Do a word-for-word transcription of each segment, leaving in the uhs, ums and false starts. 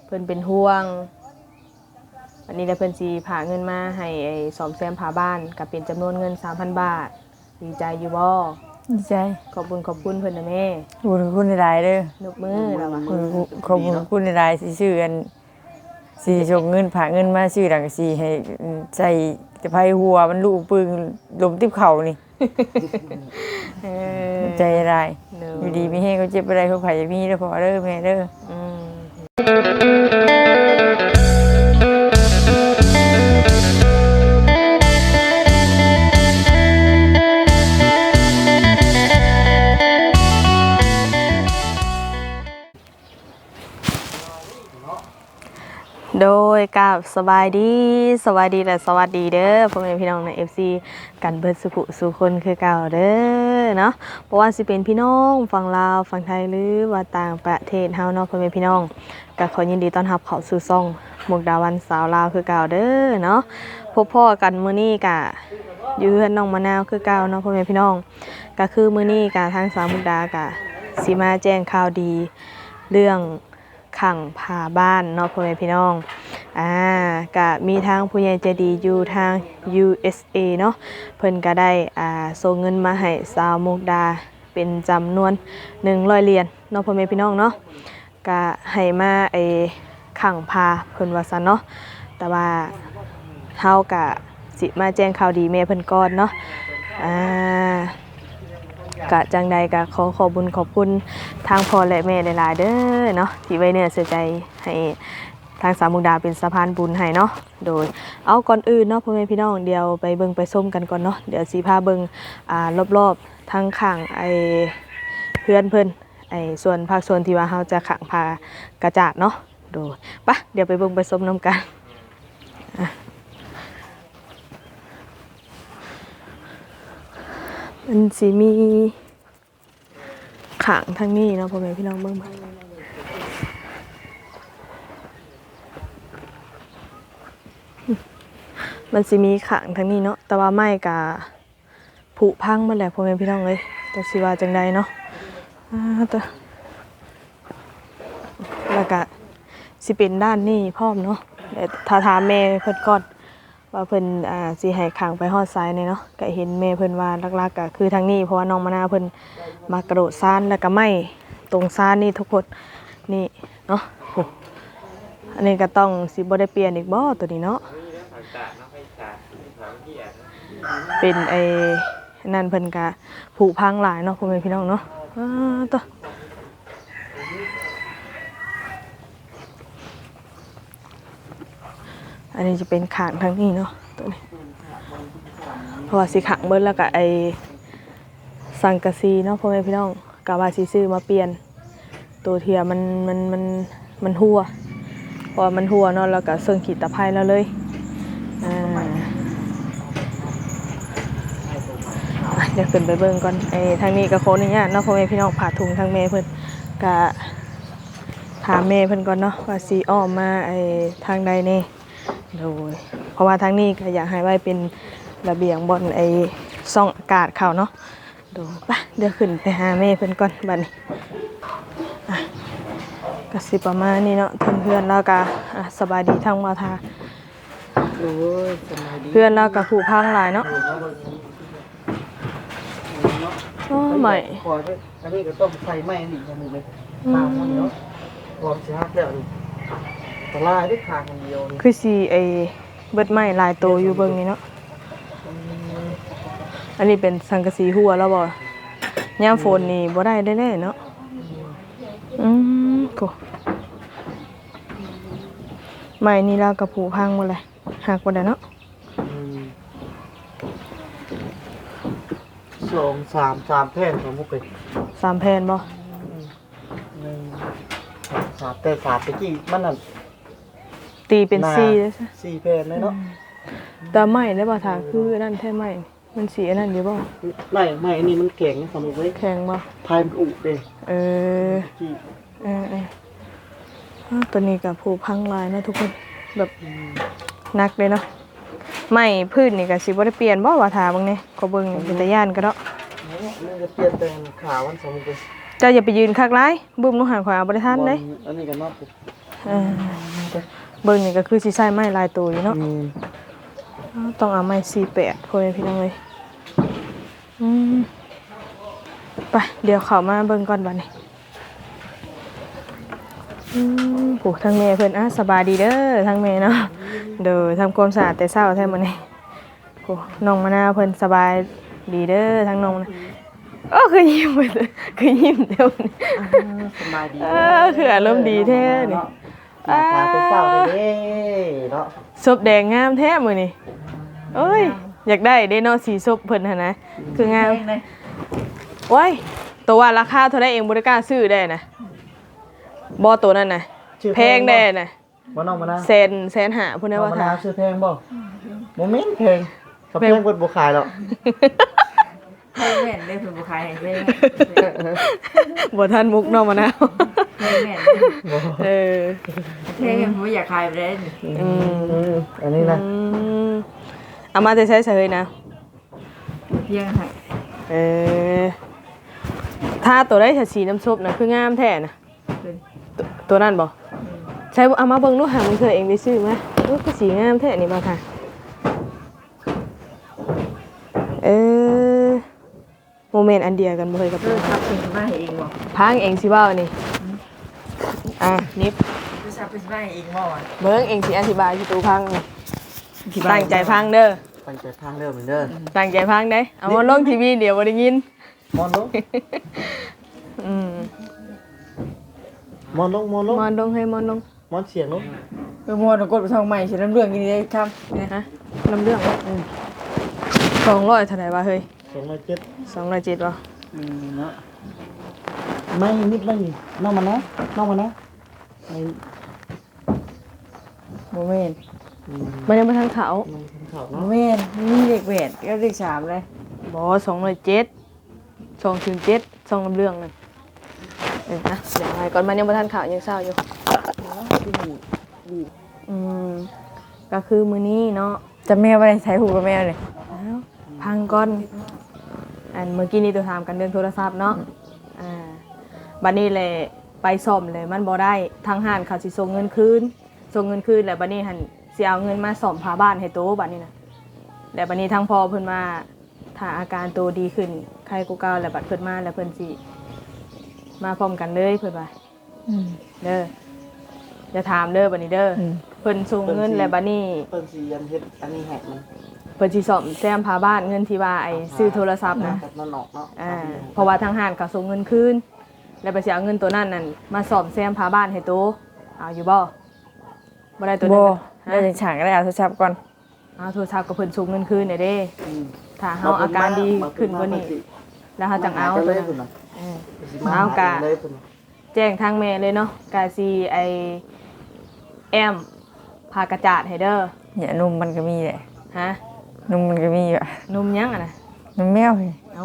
เพิ่นเป็นห่วงอันนี้ได้เพิ่นสิพาเงินมาให้ไอ้ซ่อมแซมผาบ้านก็เป็นจำนวนเงิน สามพัน บาทดีใจอยู่บ่ดีใจขอบคุณขอบคุณเพิ่นนะแม่ขอบคุณหลายเด้อนกมือแล้วว่าขอบคุณหลายสิชื่ออันสิส่งเงินฝากเงินมาชื่อดังสิให้ใส่จะไผหัวมันลูกปึงลมติบเข่านี่เออใจร้ายอยู่ดีมีแฮงก็เจ็บบ่ได้เขาไผมีเด้อพ่อเด้อแม่เด้ออืมโดยกับสบายดีสวัสดีและสวัสดีเด้อพ่อแม่พี่น้องใน เอฟ ซี กันเบิดสุขุสุคนคือเก่าเด้อเนาะเพราะว่าสิเป็นพี่น้องฝั่งลาวฝั่งไทยหรือว่าต่างประเทศเฮาเนาะพ่อแม่พี่น้องก็ขอยินดีต้อนรับเข้าสู่ช่องมุกดาวันสาวลาวคือเก่าเด้อเนาะพบพ่อกันมื้อนี้ก็อยู่เฮือนน้องมะนาวคือเก่าเนาะพ่อแม่พี่น้องก็คือมื้อนี้ก็ทางสาวมุกดาก็สิมาแจ้งข่าวดีเรื่องขังผาบ้านเนาะพ่อแม่พี่น้องอ่าก็มีทางผู้ใหญ่ใจดีอยู่ทาง ยู เอส เอ เนาะเพิ่นก็ได้อ่าส่งเงินมาให้สาวมุกดาเป็นจำนวนหนึ่งร้อยเหรียญเนาะพ่อแม่พี่น้องเนาะก็ให้มาไอ้ขังผาเพิ่นว่าซั่นเนาะแต่ว่าเฮาก็สิมาแจ้งข่าวดีแม่เพิ่นก่อนเนาะอ่ากะจังใดกะขอขอบคุญขอบคุณทางพ่อและแม่หลายๆเด้อเนาะที่ไว้เนื้อเสียใจให้ทางสามมุกดาเป็นสะพานบุญให้เนาะโดยเอาก่อนอื่นเนาะพ่อแม่พี่น้องเดี๋ยวไปเบิ่งไปส้มกันก่อนเนาะเดี๋ยวสีพาเบิ่งอ่ารอบๆทางข้างไอเพื่อนเพิ่นไอส่วนภาคส่วนที่ว่าเฮาจะขังพากระจาดเนาะโดยปะเดี๋ยวไปเบิ่งไปส้มน้ำกันมันสิมีขางทางนี้เนาะพ่อแม่พี่น้องเบิ่งมามันสิมีขางทางนี้เนาะแต่ว่าไม้กะผุพังมาแล้วพ่อแม่พี่น้องเลยแต่สิว่าจังใดเนาะอ่าแต่แล้วก็สิเป็นด้านนี้พร้อมเนาะแต่ถ้าถามแม่เพิ่นก่อนว่าเพิ่นอ่าสิให้ขังไปฮอดซ้ายนี่เนาะก็เห็นแม่เพิ่นว่าหลักๆก็คือทางนี้เพราะว่าน้องมะนาวเพิ่นมากระโดดซ่านแล้วก็ไม้ตรงซ่านนี่ทุกคนนี่เนาะอันนี้ก็ต้องสิบ่ได้เปลี่ยนอีกบ่ตัวนี้เนาะเป็นไอ้นั่นเพิ่นก็ผุพังหลายเนาะพ่อแม่พี่น้องเนาะอ้าต่ออันนี้จะเป็นขางทางนี้เนาะตัวนี้เพราะว่าสิขังเบิดแล้วก็ไอ้สังกะสีเนาะพ่อแม่พี่น้องกะว่าสิซื้อมาเปลี่ยนตัวเทียมันมันมันมันหัวเพราะมันหัวเนาะแล้วก็เสื่องขีดตะไคร้แล้วเลยอ่าเดี๋ยวขึ้นไปเบิ่งก่อนไอ้ทางนี้ก็โคนี่เนี่ยเนาะพ่อแม่พี่น้องผ่าถุงทางแม่เพิ่นกะถามแม่เพิ่นก่อนเนาะว่าสิอ้อมมาไอ้ทางใดแน่โดยเพราะว่าทางนี้ก็อยากให้ไว้เป็นระเบียงบนไอ้ซ่องอากาศเขาเนาะดูป่ะเดี๋ยวขึ้นไปหาแม่เพิ่นก่อนบัดนี้อ่ะก็สิประมาณนี้เนาะเพื่อนๆแล้วก็อ่ะสบายดีทั้งมาทาโอ้ยสบายดีเพื่อนแล้วก็ผู้พังหลายเนาะโอ้ใหม่ขอไปอันนี้ก็ต้องใส่ไม้นี่อย่างนึงเลยตามมันเนาะพร้อมสิฮักแล้วนี่ตะลายได้ทางเดียวนี่คือสิไอ้เบิดไม้หลายโตอยู่เบิ่งนี่เนาะอันนี้เป็นสังกะสีหัวแล้วบ่ยามฝนนี่บ่ได้แน่ๆเนาะอืมโกไม้นี่แล้วก็ผุพังหมดเลยหักบ่ได้เนาะสองสามสามแผ่นของมุกเลยสามแผ่นบ่หนึ่งสามแต่สามตะกี้มันนั่นตีเป็นสี่เด้อซะสี่แผ่นเลยเนาะแต่ไม้ได้บ่ถ้าคือนั่นแท้ไม้มันสีอันนั้นอยู่บ่ไม่ไม่อันนี้มันแข็งสมมุติไว้แข็งบ่พายมันอุเด้เออเออๆตัวนี้ก็ผุพังหลายนะทุกคนแบบหนักเลยเนาะไม้พื้นนี่ก็สิบ่ได้เปลี่ยนบ่ว่าท่าเบิ่งนี่ก็เบิ่งเป็นตาย่านก็เนาะมันจะเปลี่ยนแต่ขาวมันสมมุติเจ้าอย่าไปยืนคักหลายบึ้มหนูหันขวาบ่ได้ทันเด้อันนี้ก็เนาะเออเบิ่งนี่ก็คือสิใช้ไม้ลายตัวอยู่เนาะอืมต้องเอาไม้สี่แปดพ่อแม่พี่น้องเลยอืมไปเดี๋ยวเข้ามาเบิ่งก่อนบัดนี้อืมโหทางแม่เพิ่นอ่ะสบายดีเด้อทางแม่เนาะเด้อทำความสะอาดแต่เช้าแท้มื้อนี้โหน้องมะนาวเพิ่นสบายดีเด้อทางน้องนะโอ้คือยิ้มเบิดเลยคือยิ้มเด้อนี่สบายดีเออคืออารมณ์ดีแท้นี่อ่าพาไปเฝ้าเลยเด้เนาะศพแดงงามแท้มื้อนี้โอ้ยอยากได้เด้เนาะสีศพเพิ่นหั่นนะคืองามโอ้ยตัวว่าราคาเท่าใดเองบ่ได้กล้าซื้อได้นะบ่ตัวนั้นน่ะชื่อแพงได้น่ะบ่น้องมะนาวแสนแสนห้าพุ่นน้น่ะองว่ามะถ้านาวชื่อแพงบ่บ่แม่นแพงถ้าแพงเพิ่นบ่ขายหรอกให้แม่นได้เพิ่นบ่ขายให้แม่นบ่ทันมุกเนาะมะนาวให้แม่นเออเท่ผมอยากขายไปได้อืมอืมอันนี้นะอืมเอามาแต่ใช้เฉยนะเพียงให้เออถ้าตัวได้สีน้ำซุปน่ะคืองามแท้น่ะเป็นตัวตัวนั้นบ่ใช้เอามาเบิ่งดูหามึงเคยเองได้ซื้อมั้ยโอ้คือสีงามแท้นี่บ่ค่ะเออโมเมนต์อันเดียวกันบ่เคยกับเออครับเป็นมาให้เองบ่พังเองสิเว้านี่อ่ะนิบคือซับเป็นมาให้เองบ่อ่ะเบิ่งเองสิอธิบายสิตูพังนี่ตั้งใจพังเด้อตั้งใจพังเด้อเหมือนเด้อตั้งใจพังได้เอามาลงทีวีเดี๋ยวบ่ได้ยินมอนลงอืมมอนลงมอนลงมอนลงให้มอนลงมอนเสียงลงเออมวนกดไปทองใหม่สิน้ำเรื่องกินได้ครับเนี่ยฮะลำเรื่องอืมสองร้อยเท่าไหร่วะเฮ้ยสองร้อยเจ็ดสองร้อยเจ็ดวะอืมเนาะไม่นิดไม่น้องมะนาวน้องมะนาวไม่บ่แม่นอืมมันยังไม่ทันเขาน้องทำข่าวบ่เนาะแม่นมีเลขแปดก็เลขสามเลยบอสองร้อยเจ็ดสองถึงเจ็ดสองลำเรื่องเลยเออนะเดี๋ยวไงก่อนมันยังไม่ทันเขายังเศร้าอยู่อืมก็คือมือนี้เนาะจะแม่ไว้ใช้หูกับแม่เลยอ้าวพังก่อนอันเมื่อกี้นี่ตัวถามกันเรื่องโทรศัพท์เนาะอ่าบัดนี้เลยไปซ่อมเลยมันบ่ได้ทางห้านเขาสิส่งเงินคืนส่งเงินคืนแล้วบัดนี้หันสิเอาเงินมาซ่อมพาบ้านให้โตบัดนี้นะแล้วบัดนี้ทางพ่อเพิ่นมาถ้าอาการโตดีขึ้นใครกูเก่าแล้วบัดเพิ่นมาแล้วเพิ่นสิมาพร้อมกันเลยเพิ่นว่าอืมเด้อจะถามเด้อบัดนี้เด้ออมเพิ่นส่งเงินแล้วบัดนี้เปิ้นสียันเฮ็ดอันนี้แหกมันเพิ่นสิซ่อมแซมพาบ้านเงินที่ว่าไอ้ซื้อโทรศัพท์นะแบบนั่นออกเนาะอ่าเพราะว่าทางห้านเขาส่งเงินคืนแล้วไปสิเอาเงินตัวนั้นนั่นมาซ่อมแซมพาบ้านให้โตเอาอยู่บ่บ่ได้ตัวนั้บ่นได้จังฉางก็ได้เอาโทรศัพท์ก่อนเอาโทรศัพท์กับเพิ่นส่งเงินคืนได้เด้อืมถ้าเฮาอาการดีขึ้นกว่านี้แล้วเฮาจังเอาตัวเลยนั้นพุ่นน่ะเออสิมาเอากะเลยพุ่นน่ะแจ้งทางแม่เลยเนาะกาซีไอแอมพากระจาดให้เด้อเนี่ยนมมันก็มีแหละฮะนมมันก็มีอ่ะนมยังอ่ะนะนมแมวนี่เอ้า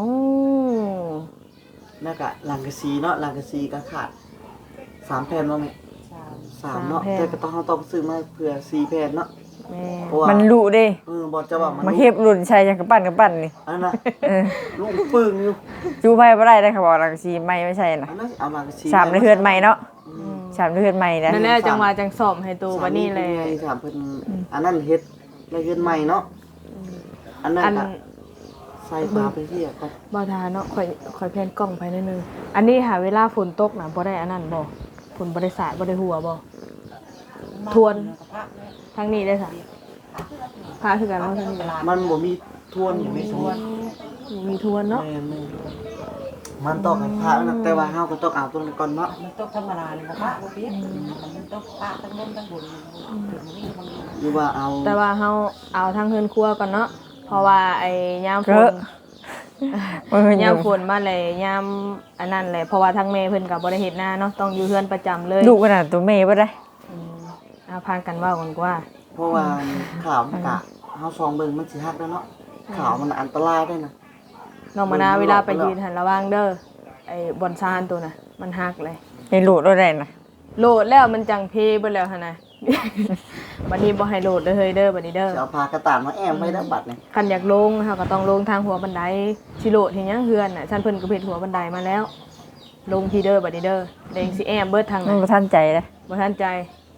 แล้วก็หลังกะซีเนาะหลังกะซีก็ขาดสามแผ่นเนาะแม่สามเนาะแต่ก็ต้องเราต้องซื้อมาเผื่อสี่แผ่นเนาะแม่เพราะว่ามันรู้เด้เออบ่จะว่ามันมาเฮ็บรุ่นใช้จังกระปั้นกระปั้นนี่อันนั้นนะเออลูกปึ้งอยู่จูไผบ่ได้ได้ค่ะบอกหลังสีไม่ไม่ใช่น่ะอันนั้นเอาหลังกะซีสามในเฮือนใหม่เนาะอืมสามในเฮือนใหม่นะนั่นแหละจังหวะจังสอบให้ตัวบัดนี้เลยสามเพิ่นอันนั้นเฮ็ดในเฮือนใหม่เนาะอันนั้นอันก็ใส่ปลาไปที่อ่ะก็บ่ทาเนาะข่อยข่อยแพนกล้องไปนิดนึงอันนี้หาเวลาฝนตกน่ะบ่ได้อันนั้นบ่ฝนบ่ได้สาดบ่ได้หัวบ่ทวนทางนี้ได้ซะพาคือกันว่าทางนี้มันบ่มีทวนอยู่ในทวนมีทวนเนาะแม่นๆมันต้องให้พระนะแต่ว่าเฮาก็ต้องเอาตัวนั้นก่อนเนาะมันตกธรรมดาเลยบ่ปะบ่เปียกมันตกปะทั้งบนทั้งบนมันมีมันหรือว่าเอาแต่ว่าเฮาเอาทางเฮือนครัวก่อนเนาะเพราะว่าไอ้ยามฝเอน อมันยามฝนมาเลยยามอันนั้นแหละเพราะว่าทางแม่เพิ่นก็บ่ได้เฮ็ดนาเนาะต้องอยู่เฮือนประจำเลยดุขนาดตัวแม่บ่ได้อืมเอาพากันเว้ากันกว่าเพราะว่าข่าวมันกะเฮาซองเบิ่งมันสิฮักแล้วเนาะข่าวมันอันตรายได้นะน้องมะนาวเวลาไปยืนหันระวังเด้อไอ้บอนซานตัวน่ะมันหักเลยให้โหลดบ่ได้น่ะโหลดแล้วมันจังเพเบิดแล้วหั่นน่ะ บัดนี้บ่ให้โหลดเด้อเฮ้ยเด้อบัดนี้เด้อจะเอาพากระตานมาแอมไว้แล้วบัดนี่คันอยากลงเฮาก็ต้องลงทางหัวบันไดสิโหลดเฮ็ดหยังเฮือนน่ะฉันเพิ่นก็เฮ็ดหัวบันไดมาแล้ว ลงที่เด้อบัดนี้เด้อเด้งสิแอมเบิดทางมันน่ะบ่ทันใจเลยบ่ทันใจ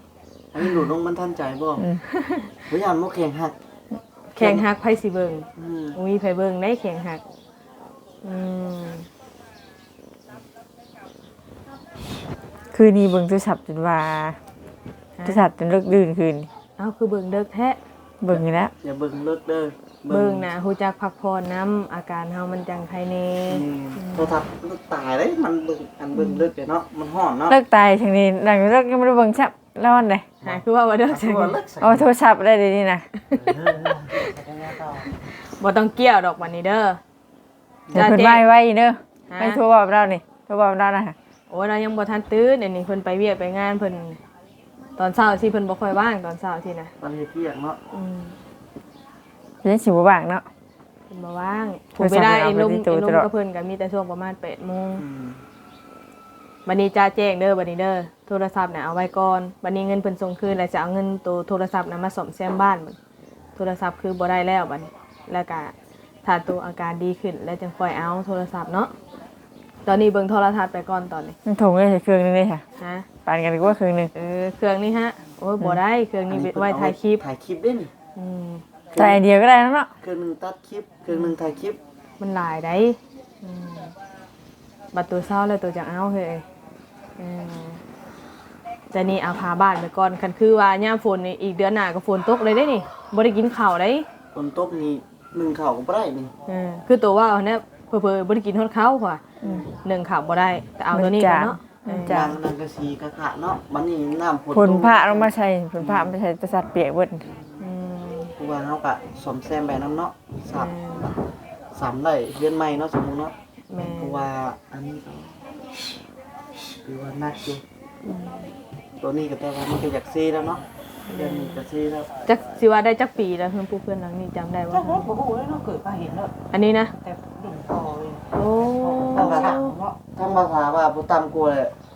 อันนี้หลุดลงมันทันใจบ่พยายามบ่แข่งหักแข่งหักไผสิเบิ่งอืมอุ้ยไผเบิ่งได้แข่งหักอืมคืนนี้เบิ่งโทรศัพท์จนว่าโทรศัพท์จนเลิกดื่นคืนเอ้าคือเบิ่งเด้อแท้เบิ่งอยู่แล้วอย่าเบิ่งเลิกเด้อเบิ่งน่ะฮู้จักพักผ่อนนํอาการเฮามันจังไผแน่นี่โทรทัศน์มันตายเลยมันเบิ่งอันเบิ่งเลิกเด้อเนาะมันฮ้อนเนาะเลิกตายทางนี้หลังเลิกยังไม่ได้เบิ่งชับแล้วอันใดหาคือว่าว่าเด้อคือว่าเลิกใส่เอาโทรศัพท์ได้เดี๋ยวนี้นะบ่ต้องเกี่ยวดอกวันนี้เด้อเดี๋ยวเพิ่นไว้ไว้เด้อฮะไม่โทรบอกเรานี่โทรบอกเรานะโอ้ยเรายังบ่ทันตื่นเดี๋ยวนี้เพิ่นไปเวียกไปงานเพิ่นตอนเช้าสิเพิ่นบ่ค่อยว่างตอนเช้าสินะตอนเฮ็ดเวียกเนาะอืมเพิ่นสิบ่ว่างเนาะเพิ่นบ่ว่างโทผมรศัพท์ไปได้เอาไอ้ไปลุงที่ตู้ไอ้ลุงตลอดกับเพิ่นก็มีแต่ช่วงประมาณแปดโมงอืมบัดนี้จ้าแจ้งเด้อบัดนี้เด้อโทรศัพท์น่ะเอาไว้ก่อนบัดนี้เงินเพิ่นส่งคืนแล้วจะเอาเงินตัวโทรศัพท์น่ะมาซ่อมแซมบ้านบัดโทรศัพท์คือบ่ได้แล้วบัดนี้แล้วก็ถ้าตัวอาการดีขึ้นแล้วจึงค่อยเอาโทรศัพท์เนาะตอนนี้เบิ่งโทรทัศน์ไปก่อนตอนนี้มันถงได้เครื่องนึงเลยค่ะฮะปานกันดีกว่าเครื่องนึงเออเครื่องนี้ฮะโอ้ยบ่ได้เครื่องนี้ไว้ถ่ายคลิปถ่ายคลิปเด้นี่อืมแต่อันเดียวก็ได้แล้วเนาะเครื่องหนึงตัดคลิปเครื่องหนึงถ่ายคลิปมันหลายได้อืมบัดตัวเศร้าเลยตัวจังเอาเฮ้ยเออแต่นี่เอาพาบ้านไปก่อนคันคือว่าย่ามฝนนี่อีกเดือนหน้าก็ฝนตกเลยได้นี่บ่ได้กินข้าวได้ฝนตกนี่หนึ่งข้าวก็บ่ได้นี่เออคือตัวว่าเนี่ยเผลอๆบ่ได้กินฮอดข้าวกว่าหนึ่งข้าวบ่ได้ แต่เอาตัวนี้ก่อนเนาะเออยางนังกะสีกะขะเนาะบัดนี้น้ำฝนผลตกพระลงมาใช้ผลพระมาใช้ประสาทเปียกเบิดอืมเพราะว่าเฮาก็ซ่อมแซมไปนํเนาะสามสามไร่เรือนใหม่เนาะสมมุติเนาะแม่เพราะว่าอันนี้ก็คือว่านักอยู่ตัวนี้ก็แต่ว่ามันก็อยากซีแล้วเนาะเดือนนี้ก็ซีแล้วจักสิว่าได้จักปีแล้วเพิ่นผู้เพื่อนหลังนี้จำได้จัว่ากบ่ฮู้เลยเนาะเกิดมาเห็นแล้วอันนี้นะแต่ดิ่งต่อเลยโอ้ทั้งภาษาทั้งภาษาว่าบ่ต่ำกว่า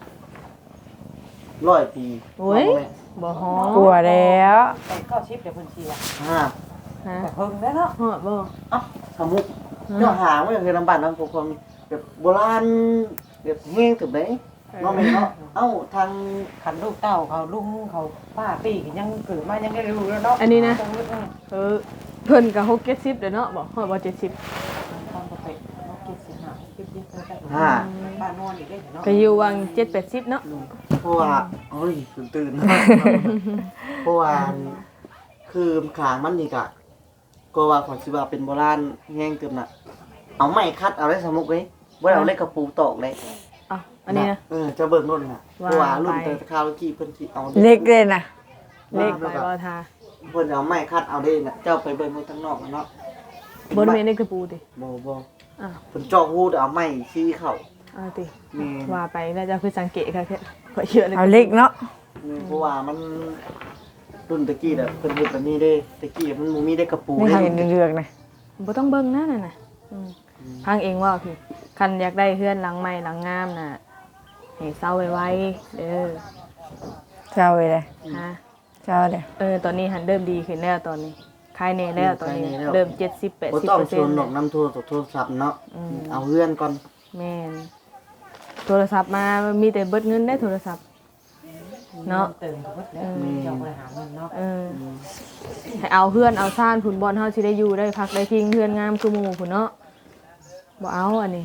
ร้อยปีโอ้ยบ่ฮอกลัวแล้วแต่ก็ชิปเดี๋ยวเพิ่นสิว่าห้าฮะแต่เพิ่งได้เนาะฮอดบ่เอ้าสมุกเจ้าหาไม่เคยลำบากน้ำพวกคนแบบโบราณแบบแห้งถึงไหนเนาะแม่เนาะเอ้าทางคันลูกเต้าเขาลุงเขาป้าปีกยังเกิดมายังได้รู้แล้วเนาะอันนี้นะต้องรู้เออเออเพิ่นก็หกเจ็ดสิบเด้อเนาะบ่ฮอดบ่เจ็ดสิบตอนปกติเราเก็บสิหาเก็บยิบไปห้าบ้านนอนอีกได้เนาะก็อยู่วังเจ็ดแปดสิบเนาะเพราะว่าเอ้ยตื่นตื่นเพราะว่าคือขางมันนี่กะก็ว่าขอนสิว่าเป็นโบราณแห้งเติมน่ะเอาไม้คัดเอาได้สมุกเลยบ่ได้เอาเล็กกระปูตอกเลยอ้าวอันนี้นะเออจะเบิ่งนู่นน่ะเพราะว่ารุ่นว่าไปแต่คราวกี้เพิ่นสิเอาเล็กเลยนะเลขไปบ่ทาเพิ่นเอาไม้คัดเอาได้น่ะเจ้าไปเบิ่งนู่นทางนอกน่ะเนาะบนเมนในกระปูติบ่บ่อ้าวเพิ่นเจาะหูเอาไม้ชี้เข้าเอาติแม่นว่าไปแล้วจะคือสังเกตค่ะแค่ก็เยอะเลยเอาเล็กเนาะเพราะว่ามันรุ่นตะกี้น่ะเพิ่นเฮ็ดแบบนี้เด้ตะกี้มันบ่มีได้กระปูไม่เด้ทำเป็นเรืองๆนะบ่ต้องเบิ่งนะนั่นน่ะอืมพังเองว่าพี่คันอยากได้เฮือนหลังใหม่หลังงามน่ะให้เซาไว้ๆเด้อเจ้าเลยเลยฮะเจ้าเลยเออตอนนี้หันเริ่มดีขึ้นแล้วตอนนี้คลายแน่แล้วตอนนี้เริ่มเจ็ดสิบแปดบ่สิบต้องเปอร์ชเซ็นวนต์ดอกน้ำโทรศัพท์โทรศัพท์เนาะอืมเอาเฮือนก่อนแม่นโทรศัพท์มามีแต่เบิดเงินได้โทรศัพท์ เนาะเติมกับเพิ่นแล้วเจ้าบริหารเงินเนาะเออให้เอาเพื่อนเอาซ่านผุนบอลเฮาสิได้อยู่ได้พักได้พิงเพื่อนงามคือหมู่ผุนเนาะบ่เอาอันนี้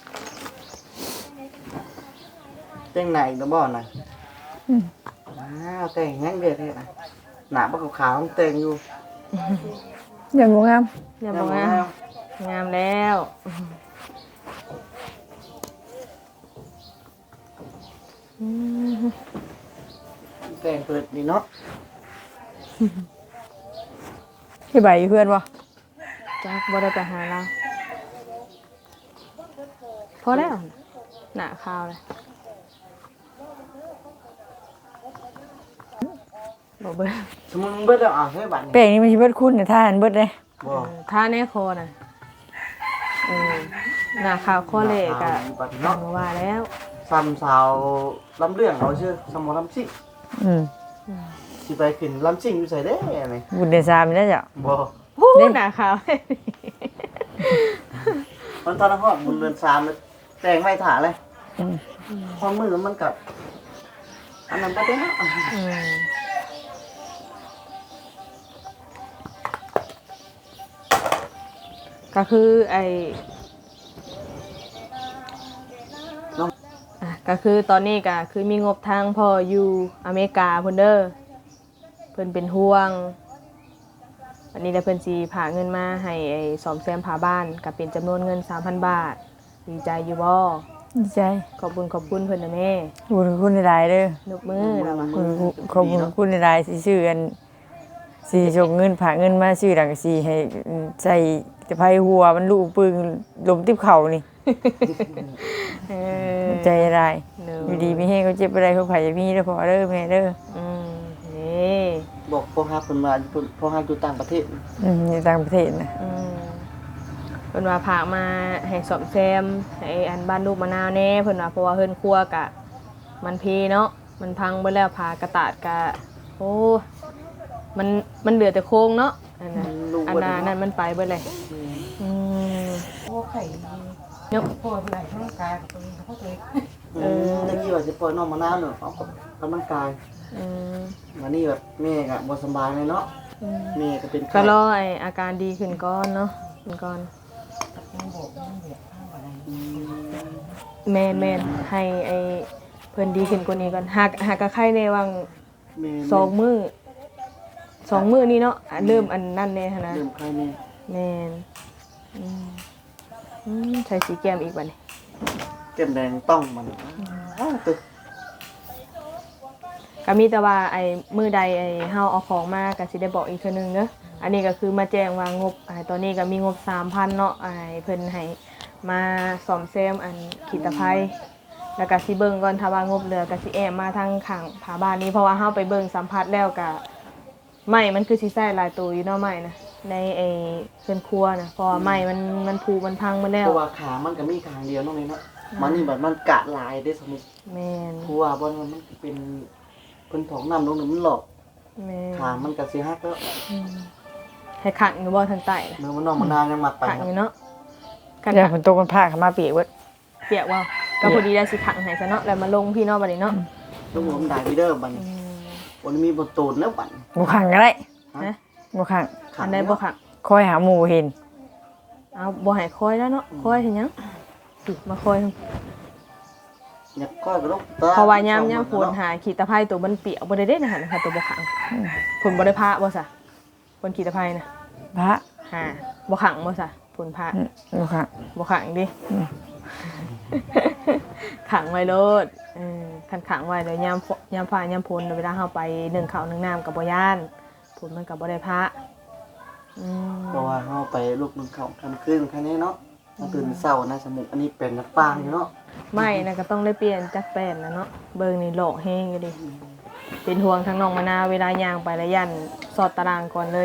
แต่งไหนตะบ่น่ะอ้าวแต่งแห้งเด็ดเฮ็ดน่ะหน้าบ่ขาวๆต้องแต่งอยู่อย่างงงามอย่าบอกงามงามแล้วอืมแต่งเปิดนี่เนาะที่ใบเพื่อนบ่จักบ่ได้ไปหาเราพอแล้วหน้าข้าวเลยบ่เบิ่งสมมุติมึงเบิดแล้วอ่ะให้บัดแป้นี้งนี่มันสิเบิดคุณเนี่ยถ้าหันเบิดเลยบ่ท่าแน่คอน่ะเออหน้าข้าวข้อเลขอะบัดเนาะบ่ว่าแล้วซ้ำสาวลำเรื่องเอาชื่อสมอลำซิ่งอืมสิไปขึ้นลำซิ่งอยู่ไสเด้นี่บุญเดชามีแล้วจ้ะบ่โอ้หน้าข้าวมันตอนนั้นฮอดบุญเดือนสามแล้วแต่งไว้ถ่าเลยอืมพอมือมันกับอันนั้นไปเด้ออืมก็คือไอน้องอ่ะก็คือตอนนี้ก็คือมีงบทางพ่ออยู่อเมริกาเพิ่นเด้อเพิ่นเป็นห่วงวันนี้ได้เพิ่นสิพาเงินมาให้ไอ้ซ่อมแซมผาบ้านก็เป็นจำนวนเงิน สามพัน บาทดีใจอยู่บ่ดีใจขอบคุณขอบคุณเพิ่นนะแม่ขอบคุณคุณหลายๆเด้อนกมือแล้วว่ะขอบคุณขอบคุณคุณหลายๆสิชื่อกันสิส่งเงินฝากเงินมาซื้อดังสิให้ใส่ตะไคร้หัวมันลูกปึงลมติบเข่านี่เออใจร้ายเนอะอยู่ดีมีให้เขาเจ็บอะไรเขาไผ่มีเด้อพ่อเด้อแม่เด้ออืมนี่บอกพ่อฮักเพิ่นว่าเพิ่นพ่อฮักอยู่ต่างประเทศอืมในต่างประเทศนะอืมเพิ่นว่าพามาให้ซ่อมแซมให้อันบ้านลูกมะนาวแน่เพิ่นว่าเพราะว่าเฮือนครัวกะมันเพเนาะมันพังเบิดแล้วพากระตาดกะโอ้มันมันเหลือแต่โครงเนาะอันนั้นอันนั้นนั่นมันไปเบิดเลยอืมโอ้ไข่เนาะปวดไหล่ร่างกายกับตัวเองเขาเลยเออตะกี้ว่าสิปล่อยน้องมะนาวเนาะเอากับกำลังกายอืมวันนี้แบบแม่ก็บ่สบายเลยเนาะอืมแม่ก็เป็นไข้ก็รอไออาการดีขึ้นก่อนเนาะขึ้นก่อนยังบอกยังเบียดข้างอะไรอืมแมนแมนให้ไอเพิ่นดีขึ้นกว่านี้ก่อนหากหากกะไข้ในวังแม่สองมือสองมือนี่เนาะอ่ะเริ่มอันนั่นแน่หั้นนะเริ่มไข้แม่แมนอืมอืมใช้สีแก้มอีกบัดนี้แก้มแดงต้องมันอ้าวตึกก็มีแต่ว่าไอ้มือใดไอ้เฮาเอาของมาก็สิได้บอกอีกเทื่อนึงเด้ออันนี้ก็คือมาแจ้งว่างบไอ้ตอนนี้ก็มีงบ สามพัน เนาะไอ้เพิ่นให้มาซ่อมแซมอันขีดตะไคร้แล้วก็สิเบิ่งก่อนถ้าว่างบเหลือก็สิแอมมาทางข้างผาบ้านนี้เพราะว่าเฮาไปเบิ่งสัมผัสแล้วก็ไม้มันคือสิใช้หลายตัวอยู่เนาะไม้นะในไอ้เพิ่นครัวนะเพราะว่าไม้มันมันผุมันพังหมาแล้เพวราะว่าขามันก็มีข้างเดียวเนาะแม่เนาะมันนี่แบบมันกะลายได้สมมุติแม่นเพราะว่าบ่นั้นมันเป็นเพิ่นถองน้ำลงนี่มันหลอกแม่นขามันก็สิฮักแล้วอืมให้ขังอยู่บ่ทางใต้นะเมื่อมันน้องมะนาวยังมักไปขังครัอบ ยู่เนาะกันเดี๋ยวฝนตกมันพาเขามาเปียกเบิดเปียกว่าก็พอดีได้สิขังให้ซะเนาะแล้วมาลงพี่เนาะบัดนี้เนาะลูกผมได้พี่เด้อบัดอืนี้มวันนี้มีบ่ตูนแล้วบัดบ่ขังก็ได้นะบ่ขังอันใดบ่ขังคอยหาหมู่เห็นเอาบ่ให้คอยแล้วเนาะคอยเฮ็ดหยังติมาคอยอยากก้อยก็ลูกเพราะว่ายามยามฝนหาขี้ตะไคร้ตัวมันเปียกบ่ได้เด้นะหั่นค่ะตัวบ่ขังฝนบ่ได้พระบ่ซะฝนขี้ตะไคร้น่ะพระหาบ่ขังบ่ซะฝนพระอืมบ่ขังบ่ขังดิ ขังไว้โลดเออคันขังไว้เดี๋ยวยามฝยามฟ้ายามฝนเวลาเฮาไปนึ่งข้าวนึ่งน้ำก็บ่ย่านฝนมันก็บ่ได้พระอืมเพราะว่าเฮาไปลูกนึงเขาทำคืนแค่นี้เนาะมาตื่นเช้านะสมุกอันนี้เป็นนักปางอยู่เนาะไม่นะก็ต้องได้เปลี่ยนจักแป้นนะเนาะเบิ่งนี่โลกแห้งอยู่ดิเป็นห่วงทั้งน้องมะนาวเวลาย่างไปแล้วยันสอดตารางก่อนเลย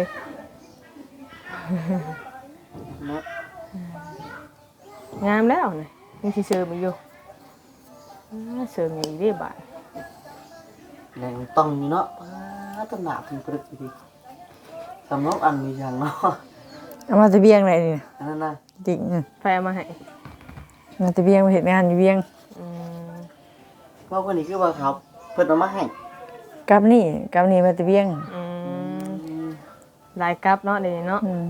เนาะงามแล้วนี่ยังสิเสริมอีกอยู่อ่าเสริมอย่างอีกเด้บาดแรงต้องอยู่เนาะป้าตำหนักถึงปรึกดีสำนกอันมีอย่างเนาะเอามาตะเบียงไหนนี่อันนั้นน่ะจริงอืมแฟมาให้มาตะเบียงมาเห็นงานอยู่เบียงอืมเพราะคนนี้คือว่าเขาเพิ่นเอามาให้กับนี่กับนี่มาตะเบียงอืมหลายกับเนาะเดี๋ยวนี้เนาะอืม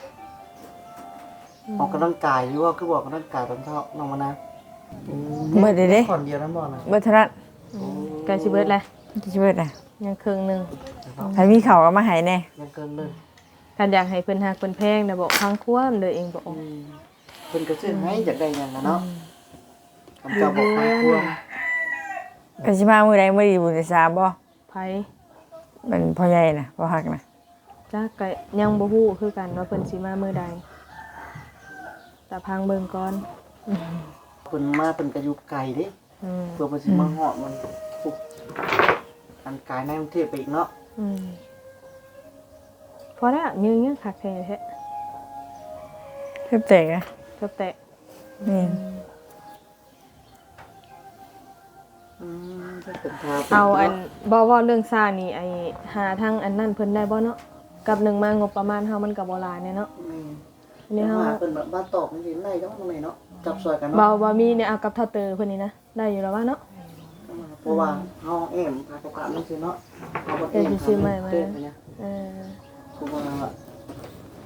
ออกกำลังกายหรือว่าคือบอกกำลังกายตอนเช้าน้องมานะเบิดเด้เด้ก่อนเดียวนั้นบ่นะเบิดเท่านั้นใกล้สิเบิดแล้วจะช่วยได้ยังครึ่งหนึงใครมีเขาวก็มาให้แน่ยังเกินเลยคันอยากให้เพิ่นฮักเพิ่นแพงน่ะบอกทางควมเลยเองบอกอืมเพิ่นก็ซื้อให้อยากได้หยังนะเนาะคำเจ้าบอกทางควงก็สิมามื้อใดมื้อดีบุญได้ทราบบ่ไผมันพ่อใหญ่น่ะพ่อฮักน่ะจักก็ยังบ่ฮู้คือกันว่าเพิ่นสิมามื้อใดแต่พังเบิ่งก่อนเพิ่นมาเพิ่นก็อยู่ไกลเด้อืมเพื่อเพิ่นสิมาฮอดมันปุ๊บอันกายในกรุงเทพไปอีกเนาะอืมพอแล้วยืนยังคักแท้แท้เพิ่นแตกอ่ะจบแตะนี่อืมถ้าเป็นทาเอาอันบ่ว่าเรื่องซ่านี่ไอ้หาทางอันนั้นเพิ่นได้บ่เนาะกับหนึ่งมางบประมาณเฮามันก็บ่หลายแน่เนาะอืมอันนี้เฮาหาเพิ่นแบบมาตอบจังซี่ได้จังว่าไงเนาะจับซอยกันบ่เนาะบ่มีเนี่ยเอากับเท่าเตอเพิ่นนี่นะได้อยู่แล้วว่าเนาะเพราะว่าเฮาแอมพาประกาศจังซี่เนาะเฮาบ่เดี๋ยวสิซื้อใหม่มาเต้นไปเนี่ยเออเพราะว่า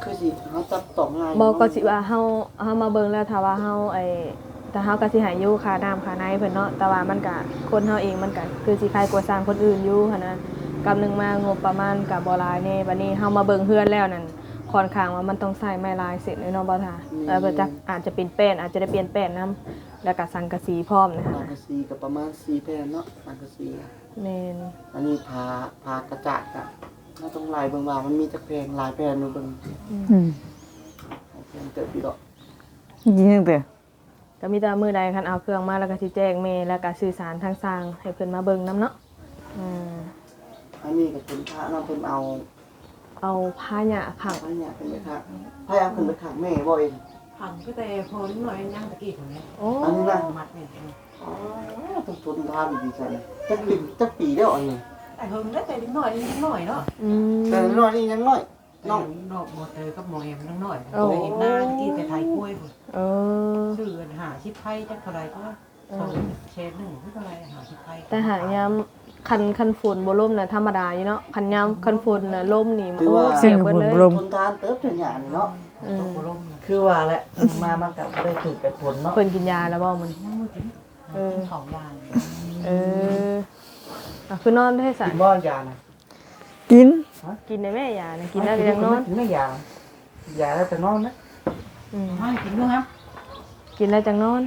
คือสิเฮาจับต้องง่ายบ่ก็สิว่าเฮาเฮามาเบิ่งแล้วถ้าว่าเฮาไอ้แต่เฮาก็สิให้อยู่ค่าน้ำค่าในเพิ่นเนาะแต่ว่ามันก็คนเฮาเองมันก็คือสิคล้ายกว่าสร้างคนอื่นอยู่หั่นนะกำหนึงมางบประมาณก็บ่หลายแน่บัดนี้เฮามาเบิ่งเฮือนแล้วนั่นค่อนข้างว่ามันต้องใช้ไม้ลายเสร็จเลยเนาะบ่ท่าแล้วเพิ่นจักอาจจะเป็นแป้นอาจจะได้เปลี่ยนแป้นนํแล้วก็สังกะสีพร้อมนะสัคะงกะสีก็ประมาณสี่แผ่นเนาะสังกะสีแม่นอันนี้พาพากระจาดอะเราต้องลายเบิ่งว่ามันมีจักแผ่นหลายแผ่นอยู่เบิ่งอืมแผ่นเติบอีกดอกยิงตั้งแต่ก็มีแต่มื้อใดคันเอาเครื่องมาแล้วก็สิแจ้งแม่แล้วก็สื่อสารทางสร้างให้เพิ่นมาเบิ่งนํเนาะอืมอันนี้ก็เป็นพระเนาะเพิ่นเอาเอาผ้าหยาขังพระเนี่ยเป็นไปค่ะพระเอาขึ้นไปขังแม่บ่เองหันก็แต่พอนิดหน่อยยังตะกี้ของนี้โอ้อันนี้นะมัดเนี่ยอ๋อต้องทนทานดีจังจักปีจักปีแล้วอันนี้แต่เฮิงได้แต่นิดหน่อยนิดหน่อยเนาะอืมแต่น้อยนี่ยังน้อยน้น้ออง งดอกโมเตอร์กับโมเอ็มนิดหน่อยเคยเห็นหน้าตะกี้แต่ไทยกล้วยพุ่นเออชื่อหาชิปไพ่จักเท่าไรก็สองเชนหนึ่งเท่าไรหาชิปไพ่แต่หางยามคันคันฝนบ่ล่มน่ะธรรมดาอยู่เนาะคันยามคันฝนน่ะล่มนี่โอ้เสียเบิดเลยลมทนทานเติบเป็นหยังนี่เนาะอืมตกลงคือว่าแหละมามันก็ได้ถูกแต่ผลเนาะเพิ่นกินยาแล้วบ่มันยังไม่ถึงของยางเอออ่ะคือนอนได้สากินบ่ยานะกินกินได้แม่ยานะกินแล้วก็ยังนอนกินไม่ยา ยาแล้วแต่นอนนะอืมไม่กินด้วยครับกินแล้วจังนอน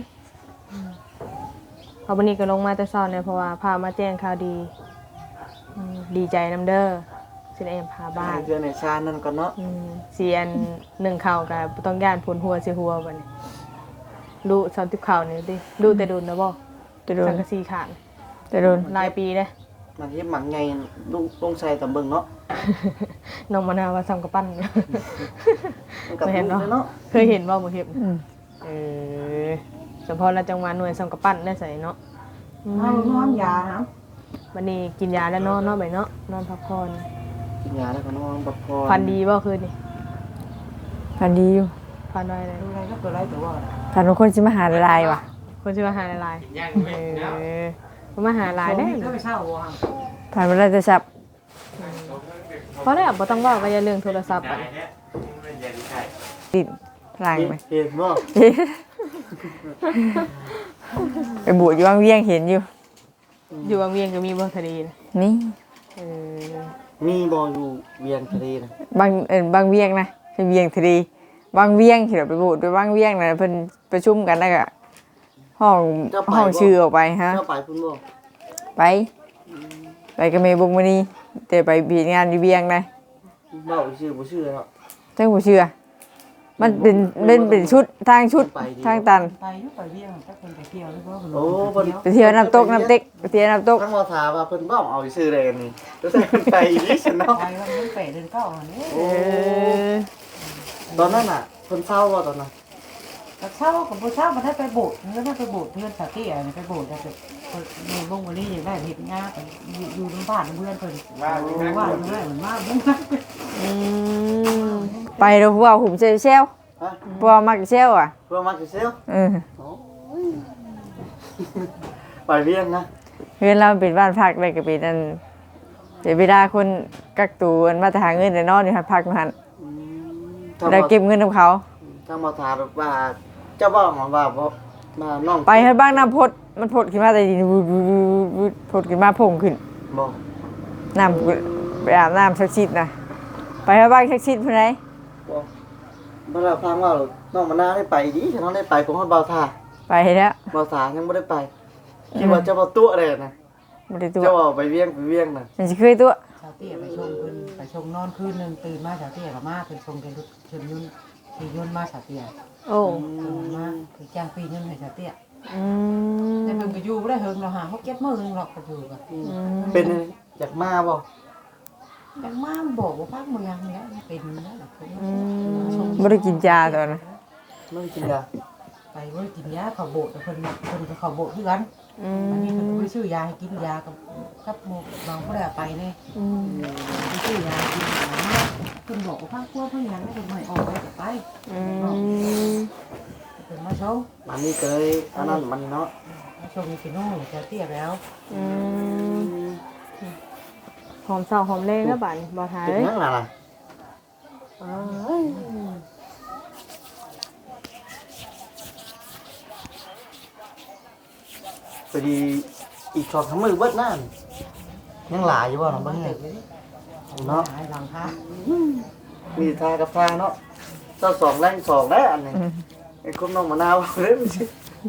พอวันนี้ก็ลงมาแต่เช้าเนี่ยเพราะว่าพามาแจ้งข่าวดีอืมดีใจนำเด้อสิได้พาบ้านเดือนในชานั่นก่อนเนาะอืมเสียนหนึ่งข่าวก็บ่ต้องย่านผลหัวสิหัวบัดนี้ดูสามสิบข่าวนี่ดิดูแต่โดนนะบ่จะโดนสังกะสีขาดจะโดนหลายปีเด้มันเฮ็ดหมักไงลุงลุงใส่ตำเบิ่งเนาะน้องมะนาวว่าซ้ำกับปั้นมันก็เคยเห็นลุเนาะงเลยเนาะเคยเห็นบ่บ่เห็นอืมเออเฉพาะละจังหวะหน่วยซ้ำกับปั้นได้ใส่เนาะอืมเอานอนยาครับวันนี้กินยาแล้วนอนเนาะไปเนาะนอนพักผ่อนกินยาแล้วก็นอนพักผ่อนฟันดีบ่คืนนี่พันดีอยู่ฟันไว้เลยดูอะไรก็ตัวไรตัวว่าพันบางคนสิมาหาลายว่ะคนชื่อว่าหาลายๆเออมันมาหาลายได้ก็ไปเช่าวัวพันเวลาจะจับเพราะได้บ่ต้องเว้าก็อย่าเรื่องโทรศัพท์บัดติดล่างไปเห็นบ่ไปบวชอยู่วังเวียงเห็นอยู่อยู่บางเวียงก็มีบ่ทะเลนะนี่เออมีบ่อยู่เวียงทะเลนะบางเอ็นบางเวียงนะไปเวียงทะเลบางเวียงที่เราไปบวชไปบางเวียงนะเพิ่นประชุมกันแล้วก็ห้องห้องชื่อออกไปฮะเจ้าไปพุ่นบ่ไป ไปกับเมย์บุงมานีแต่ไปบีงานอยู่เวียงนะเว้าชื่อบ่ชื่อเนาะเจ้าผู้เชื่อ มันเป็นเป็นเป็นชุดทางชุดทางตันไปยุไปเบี้ยงถ้าคนไปเที่ยวหรือว่าโอ้เพิ่นไปเที่ยวน้ำตกน้ำเต็กไปเที่ยวน้ำตกทั้งว่าถามว่าเพิ่นเว้าเอาชื่อได้นี่ก็ใส่เพิ่นไปอีหลีซั่นเนาะไปแล้วมันเป๋เดินเข้าอันนี้โอ้เออตอนนั้นน่ะเพิ่นเศร้าบ่ตอนนั้นแต่เช่ากับผู้เช่ามาได้ไปโบสถ์เงินได้ไปโบสถ์เพื่อนสาตี้อะไรไปโบสถ์แต่เงินลงวันนี้อย่างได้เห็นงาไปอยู่ตรงบ้านเพื่อนเพิ่นว่าว่าเพื่อนเหมือนมากเพื่อนอืมไปเราพวกหุ่มเซลเซลฮะพวกมักเซลอ่ะเพื่อมาสิเซลเออโอ้ยไปเวียงนะเพื่อนเราเป็นบ้านพักเลยก็เป็นนั่นเดี๋ยวเวลาคนกักตัวมันมาจะหาเงินแต่นอนอยู่หัดพักมาหันอืมแล้วเก็บเงินของเขาถ้ามาถามว่าเจ้าบ่าวของว่าบ่มาน้องไปให้บ้างน้ำพดมันพดขึ้นมาแต่ดินวูดวูดวูดวูดพดขึ้นมาพงขึ้นบ่น้ำไปอาบน้ำชักชิดนะไปให้บ้างชักชิดเพื่อนไหนบ่บ่ได้ฟังว่าน้องมะนาวได้ไปดิฉันน้องได้ไปของเฮาบ่าวท่าไปแล้วบ่าวสายังบ่ได้ไปคิดว่าเจ้าบ่าวตัวอะไรนะไม่ได้ตัวเจ้าบ่าวไปเวียงไปเวียงน่ะมันจะเคยตัวสาตี้ไปชมคืนไปชมนอนคืนหนึ่งตื่นมาสาตี้กับมาเป็นชมกันชมยุ่นขี่ยุ่นมาสาตี้โอ้มาคือจ้างปียุ่นให้สาตี้อืแต่มเพิ่งก็อยู่ไม่ได้เฮิงเราหาเขาเก็บมือหนึ่งหรอกก็อยู่กันเป็นไงอยากมาบ่แต่มาบอกว่าพักเมืองเนี้ยเป็นนั่นแหละไม่ได้กินยาตอนนั้นไม่กินยาไปว่ากินยาเขาโบดแต่คนคนก็เขาโบดด้วยกันอือันนี้มเขาไปซื้อยาให้กินยากับกับหมูน้องก็ได้ไปเนี่ยอืมไปซื้อยากินยาเนี่ยคนบอกว่าพักพวกเพื่อนยังไม่เป็นไม่ออกไปแต่ไปอืมเป็นมาชมมันนี่ก็เลยอันนั้นมันเนาะมาชมกินโน่จะเตี้ยแล้วอืมหอมเศร้าหอมเล่แล้วบาดนี้บ่ทาเป็นเอ้ยยังล่ะล่ะพอดีอีกสองสามมือเบิดนั่นยังหลายอยู่บ่เนาะเบิ่งให้เนาะหลังคามีทากับทาเนาะเจ้าสองแรงสองได้อันนี้ไอ้คนน้องมะนาวเล่นสิ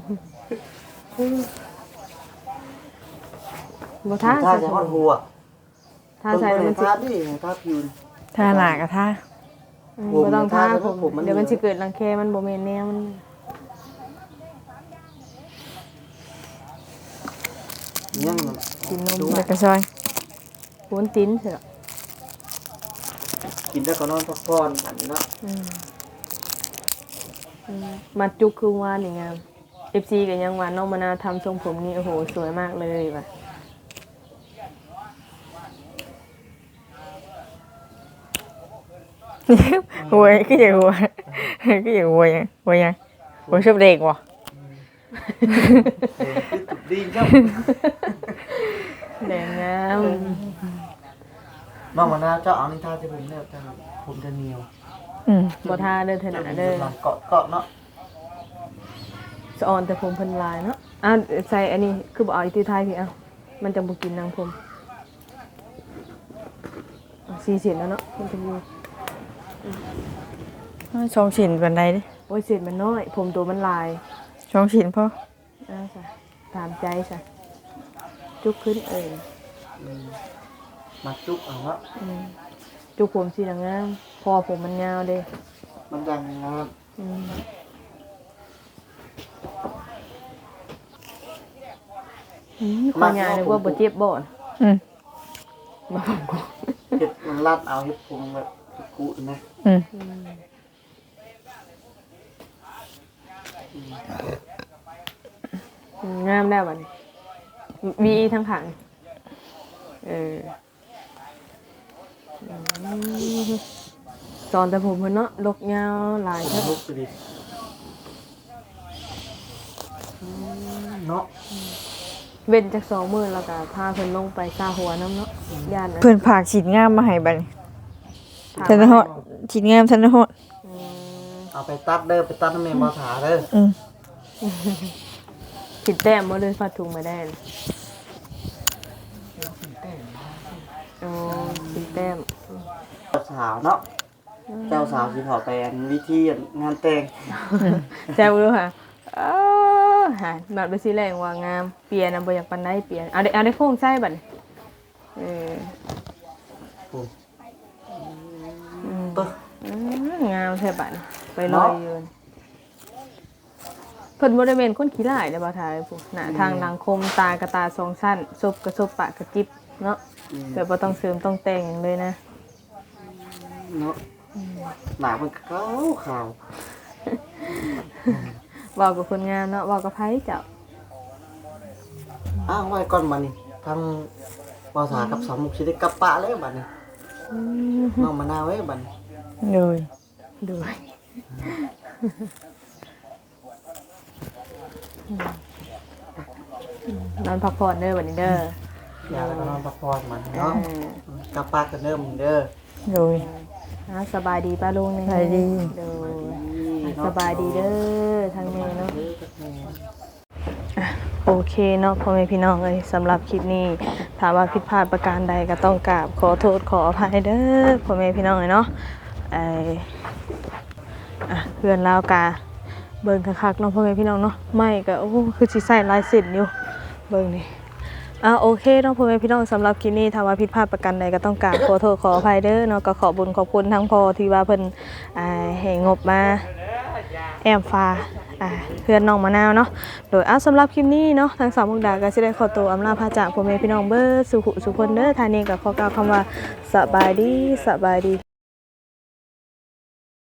บ่ท่าทาใส่จะฮอดหัวท่าใส่แล้วมันสิทาดิทาผิวท่าหน้าก็ท่าอืมบ่ต้องท่าผมผมผมมันเดี๋ยวมันสิเกิดรังแคมันบ่แม่นแนวมันยังกินนมแล้วก็ซอยโวนติ้นเถอะกินได้ก็นอนพักผ่อนอันนี้เนาะอืมอืมมัดจุกคือว่านี่งาม เอฟ ซี ก็ยังว่าน้องมะนาวทำทรงผมนี่โอ้โหสวยมากเลยว่ะหัวก็อย่างหัวก็อย่างหัวยังหัวยังหัวชอบเด็กว่ะเออคือตุบดีครับแดงงามน้องมะนาวเจ้าเอานี่ทาจะผมเนี่ยจะผมจะเหนียวอืมบ่ท่าเด้อเถอะนะเด้อหลังเกาะเกาะเนาะสะออนแต่ผมเพิ่นลายเนาะอ่ะใส่อันนี้คือบ่เอาอีกที่ไทยพี่เอ้ามันจะบ่กินนางผมอ่ะสี่เส้นแล้วเนาะมันจะอยู่ช่องชิ้นกันใดดิโอ้ยเส้นมันน้อย ผมตัวมันลายช่องชิ้นพ่ออ่าจ้ะตามใจจ้ะจุกขึ้นเอ่ยอืมมาจุกเอาเนาะอืมจุกผมสีงามพอผมมันยาวเด้มันดังงามอืมอืมความยาวเลยว่าบ่เจ็บบ่อนอืมมาผมกูเห็ดมันรัดเอาเห็ดพุงแบบกุนะอืมอืมอืมงามได้วบัดนี้มีทั้งขังเอออืมสอนแต่ผมเพิ่นเนาะลกยาวหลายผมเท่าลุกไปดิอืมเนาะเว้นจากสองมื้อแล้วก็พาเพิ่นลงไปซาหัวน้ำเนาะย่านนะเพื่อนผากชิ้นงามมาให้บัดนี้ถามทันฮอดชิ้นงามทันฮอดอืมเอาไปตัดเด้อไปตัดน้ำเมนบอถาเด้ออืมผิดแต้มบ่เลยฟาดถุงมาได้เลยโอ้ผิดแต้มเจ้าสาวเนาะเจ้าสาวสิเขาไปอันวิธีงานแต่งแซ่บรู้ค่ะเออหาบัดไปสิแรงว่างามเปลี่ยนน่ะบ่อยากปานใดเปลี่ยนเอาได้เอาได้โค้งใส่บัดนี้เออปุ๊บอืมปึ๊บอืมงามแท้บัดนี้ไปลอยอยู่เพิ่นบ่ได้เป็นคนขี้ร้ายเด้อบ่าวทายผู้หน้าทางดังคมตากระตาสองชั้นซบกระซบปากกระจิบเนาะอืมแบบบ่ต้องเสริมต้องแต่งหยังเลยนะเนาะหนามันขาวขาวเว้ากับคนงามเนาะเว้ากับไผเจ้าอ้าวไว้ก่อนบัดนี้ทางบอถากับสาวมุกสิได้กลับปะแล้วบัดนี้อืมน้องมะนาวไว้บัดนี้เลยด้วยนอนพักผ่อนเด้อบัดนี้เด้ออย่าแล้วก็นอนพักผ่อนมันเอเนาะอกลับปะกันเด้อมึงเด้อเลยอ่าสบายดีป้าลุงนี่สบายดีเด้อสบายดีเด้อทางแม่เนาะ โอเคเนาะพ่อแม่พี่น้องเอ้ยสำหรับคลิปนี้ถามว่าผิดพลาดประการใดก็ต้องกราบขอโทษขออภัยเด้อพ่อแม่พี่น้องเอ้ยเนาะไออ่ะเพื่อนลาวกาเบิ่งคักๆเนาะพ่อแม่พี่น้องเนาะไม่ก็โอ้คือสิใส่ลายเส้นอยู่เบิ่งนี่อ่ะโอเคเนาะพ่อแม่พี่น้องสำหรับคลิปนี้ถามว่าผิดพลาดประการใดก็ต้องกราบขอโทษขออภัยเด้อเนาะก็ขอบุญขอบคุณทั้งพ่อที่ว่าเพิ่นอ่าให้งบมาแอมฟ้า อ่าเพื่อนน้องมะนาวเนาะโดยอ่ะสำหรับคลิปนี้เนาะทางสาวมุกดาก็สิได้ขอตัวอำลาพาจากพ่อแม่พี่น้องเบิดสุขุสุคนเด้อทางนี้ก็ขอกล่าวคำว่าสบายดีสบายดี